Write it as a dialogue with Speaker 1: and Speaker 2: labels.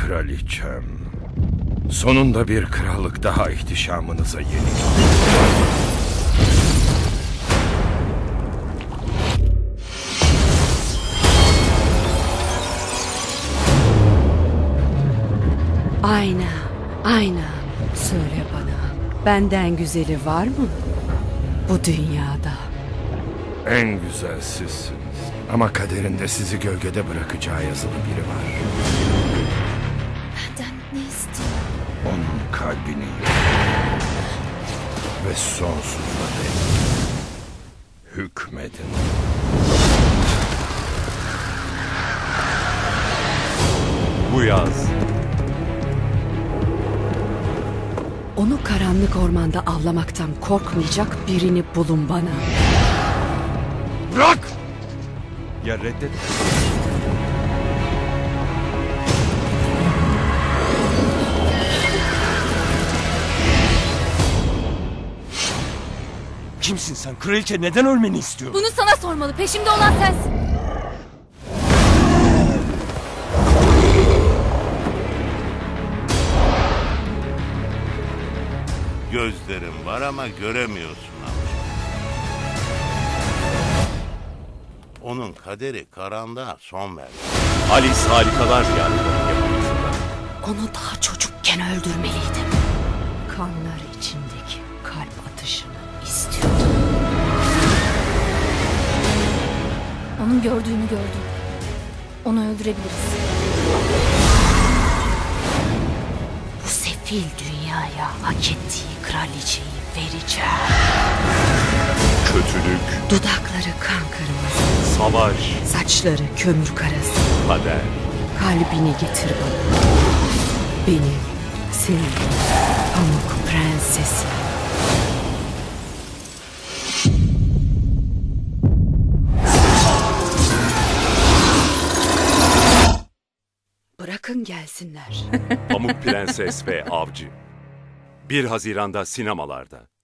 Speaker 1: kraliçem. Sonunda bir krallık daha ihtişamınıza yenik.
Speaker 2: Ayna. Söyle bana, benden güzeli var mı bu dünyada?
Speaker 1: En güzel sizsiniz. Ama kaderinde sizi gölgede bırakacağı yazılı biri var.
Speaker 3: Benden ne istiyor?
Speaker 1: Onun kalbini ve sonsuza dek hükmedin.
Speaker 4: Bu yaz.
Speaker 2: Onu karanlık ormanda avlamaktan korkmayacak birini bulun bana.
Speaker 1: Bırak!
Speaker 4: Ya reddet.
Speaker 5: Kimsin sen? Kraliçe neden ölmeni istiyor?
Speaker 3: Bunu sana sormalı. Peşimde olan sensin.
Speaker 6: Gözlerin var ama göremiyorsun ama. Onun kaderi karanlığa son verdi.
Speaker 4: Alice Harikalar Diyarı'nın yapımcısında.
Speaker 2: Onu daha çocukken öldürmeliydim. Kanlar içindeki kalp atışını istiyordum.
Speaker 3: Onun gördüğünü gördüm. Onu öldürebiliriz.
Speaker 2: Bu sefil dünyaya hak ettiği kraliçeyi vereceğim.
Speaker 4: Kötülük,
Speaker 2: Dudakları kan kırmızı,
Speaker 4: savaş,
Speaker 2: saçları kömür karası.
Speaker 4: kader.
Speaker 2: Kalbini getir bana. Benim, senin, Pamuk Prensesi. Bırakın gelsinler.
Speaker 4: Pamuk Prenses ve Avcı. 1 Haziran'da sinemalarda.